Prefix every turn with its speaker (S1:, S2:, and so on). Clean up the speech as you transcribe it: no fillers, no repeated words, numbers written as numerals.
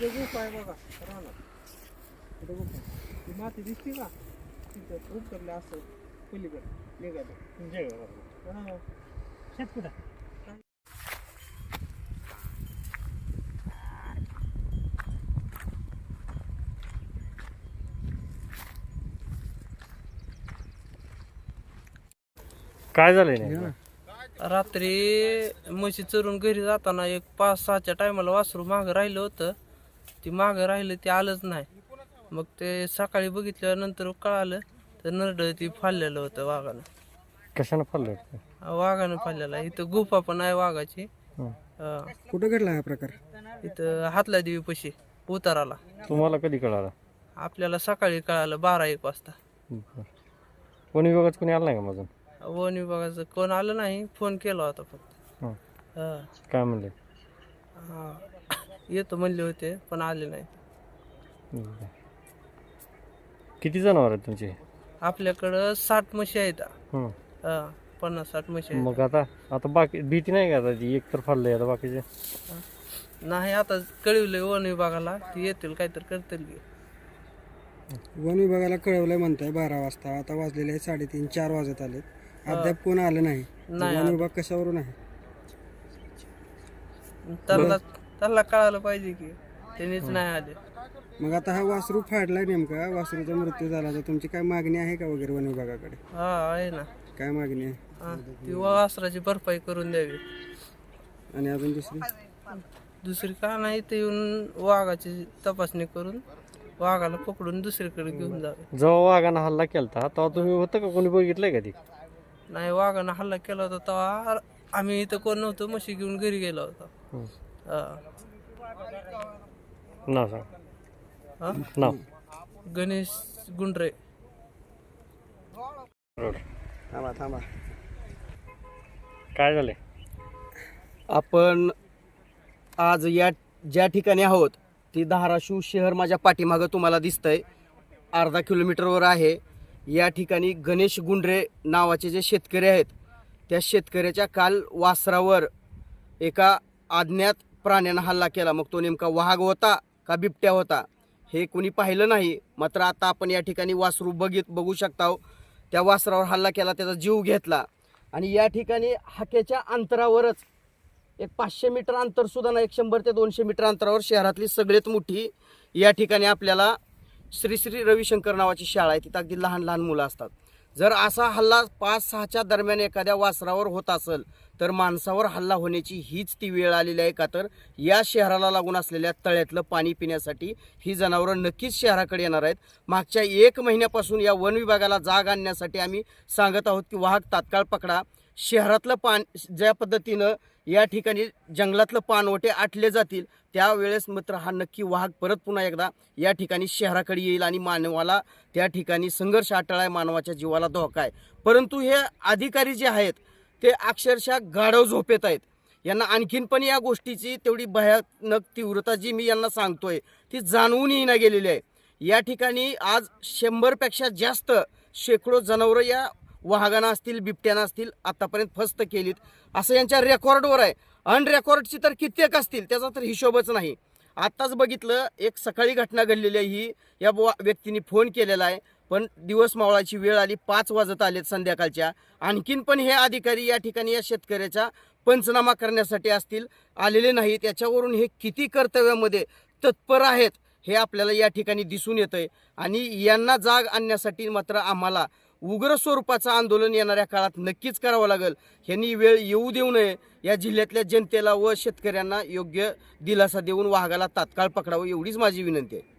S1: तिथे गुफा आहे बघा रानात. तिथे गुफा ती माती दिसते का तिथं उतरले असं पलीकडे निघालं. हा.
S2: शेत कुठं
S3: काय झालंय नाही
S1: रात्री म्हशी चरून घरी जाताना एक 5-6च्या टायमाला वासरू मागं राहिलं होतं. ती मागं राहिलं ते आलंच नाही. मग ते सकाळी बघितल्यानंतर कळालं तर नरडं ती फाडलेलं होतं वाघानं.
S3: कशानं फाडलं
S1: वाघानं फाडलेला. इथं गुफा पण आहे वाघाची.
S2: कुठं घडला हा प्रकार?
S1: इथं हातला देवी पशी उताराला.
S3: तुम्हाला कधी कळालं?
S1: आपल्याला सकाळी कळालं 12-1 वाजता.
S3: वन विभागाचं कोणी आलं नाही का माझं?
S1: वन विभागाचं कोण आलं नाही. फोन केला होता फक्त.
S3: हं.
S1: हा.
S3: काय म्हणले?
S1: हा. येतो म्हणले होते पण आले नाही.
S3: किती जनावर आहेत तुमचे?
S1: आपल्याकडं 60 म्हशी आहेत.
S3: हं.
S1: 50-60 म्हशी आहेत.
S3: मग आता बाकी भीती नाही का? आता ती एक तर फाडलंय, आता बाकीचे
S1: नाही आता कळवलंय वन विभागाला. ती येतील काहीतरी करतील की.
S2: वन विभागाला कळवलंय म्हणताय 12 वाजता. आता वाजलेले आहे 3:30-4 वाजत आलेत. अद्याप कोण आलं नाही.
S1: नाही
S2: वन विभाग कशावरून आहे?
S1: त्यांना कळायला पाहिजे की त्यांनीच नाही आले.
S2: मग आता हा वासरू फाडलाय नेमका, वासरूचा मृत्यू झाला तर तुमची काय मागणी आहे का वगैरे वन विभागाकडे?
S1: हा आहे ना.
S2: काय मागणी आहे?
S1: ती वासराची भरपाई करून द्यावी.
S2: आणि अजून
S1: दुसरी का नाही ते येऊन वाघाची तपासणी करून वाघाला पकडून दुसरीकडे घेऊन जावे.
S3: जेव्हा वाघानं हल्ला केलता तेव्हा तुम्ही होतं का? कोणी बघितलंय का ती?
S1: नाही वाघानं हल्ला केला होता तेव्हा आम्ही इथं कोण नव्हतो. म्हशी घेऊन घरी गेला होता.
S3: नाव सांग.
S1: हा?
S3: नाव?
S1: गणेश गुंडरे.
S2: थांबा.
S3: काय झालंय?
S4: आपण आज ज्या ठिकाणी आहोत ती धाराशिव शहर माझ्या पाठीमागं तुम्हाला दिसतंय. अर्धा किलोमीटरवर आहे. या ठिकाणी गणेश गुंडरे नावाचे जे शेतकरी आहेत त्या शेतकऱ्याच्या काल वासरावर एका अज्ञात प्राण्यानं हल्ला केला. मग तो नेमका वाघ होता का बिबट्या होता हे कोणी पाहिलं नाही. मात्र आता आपण या ठिकाणी वासरू बघू शकता. त्या वासरावर हल्ला केला, त्याचा जीव घेतला. आणि या ठिकाणी हाकेच्या अंतरावरच एक 500 मीटर अंतर सुद्धा नाही, 100 ते 200 मीटर अंतरावर शहरातली सगळ्यात मोठी या ठिकाणी आपल्याला श्री रविशंकर नावाची शाळा आहे. तिथं अगदी लहान लहान मुलं असतात. जर असा हल्ला 5-6च्या दरम्यान एखाद्या वासरावर होत असेल तर माणसावर हल्ला होण्याची हीच ती वेळ आलेली आहे. का तर या शहराला लागून असलेल्या तळ्यातलं पाणी पिण्यासाठी ही जनावरं नक्कीच शहराकडे येणार आहेत. मागच्या 1 महिन्यापासून या वन विभागाला जाग आणण्यासाठी आम्ही सांगत आहोत की वाहक तात्काळ पकडा. शहरातलं ज्या पद्धतीनं या ठिकाणी जंगलातलं पानवटे आटले जातील त्यावेळेस मात्र हा नक्की वाहक परत पुन्हा एकदा या ठिकाणी शहराकडे येईल आणि मानवाला त्या ठिकाणी संघर्ष अटळ मानवाच्या जीवाला धोका आहे. परंतु हे अधिकारी जे आहेत ते अक्षरशः गाढव झोपेत आहेत. यांना आणखीन पण या गोष्टीची तेवढी भयानक तीव्रता जी मी यांना सांगतोय ती जाणवूनही न गेलेली आहे. या ठिकाणी आज 100पेक्षा जास्त शेकडो जनावरं या वाघांना असतील बिबट्याना असतील आतापर्यंत फस्त केलीत असं यांच्या रेकॉर्डवर आहे. अनरेकॉर्डची तर कित्येक असतील त्याचा तर हिशोबच नाही. आत्ताच बघितलं एक सकाळी घटना घडलेली आहे. ही या व्यक्तीने फोन केलेला आहे पण दिवस मावळाची वेळ आली, 5 वाजत आलेत संध्याकाळच्या. आणखीन पण हे अधिकारी या ठिकाणी या शेतकऱ्याचा पंचनामा करण्यासाठी असतील आलेले नाहीत. याच्यावरून हे किती कर्तव्यामध्ये तत्पर आहेत हे आपल्याला या ठिकाणी दिसून येतंय. आणि यांना जाग आणण्यासाठी मात्र आम्हाला उग्र स्वरूपाचं आंदोलन येणाऱ्या काळात नक्कीच करावं लागेल. ह्यांनी वेळ येऊ देऊ नये. या जिल्ह्यातल्या जनतेला व शेतकऱ्यांना योग्य दिलासा देऊन वाघाला तात्काळ पकडावं एवढीच माझी विनंती आहे.